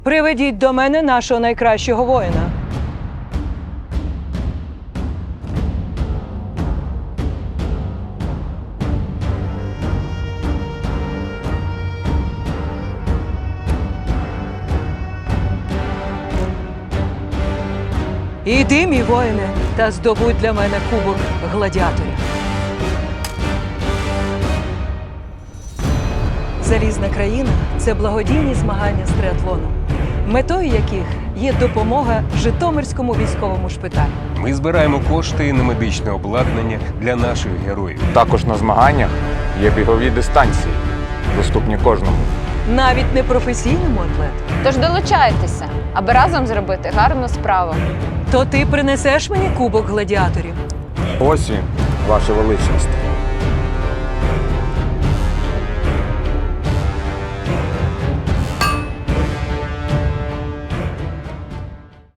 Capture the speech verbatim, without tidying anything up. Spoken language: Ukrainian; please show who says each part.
Speaker 1: Приведіть до мене нашого найкращого воїна. Іди, мій воїне, та здобудь для мене кубок гладіаторів. Залізна країна – це благодійні змагання з триатлону, метою яких є допомога Житомирському військовому шпиталю.
Speaker 2: Ми збираємо кошти на медичне обладнання для наших героїв.
Speaker 3: Також на змаганнях є бігові дистанції, доступні кожному.
Speaker 1: Навіть непрофесійному атлету.
Speaker 4: Тож долучайтеся, аби разом зробити гарну справу.
Speaker 1: То ти принесеш мені кубок гладіаторів?
Speaker 3: Ось він, ваше величність.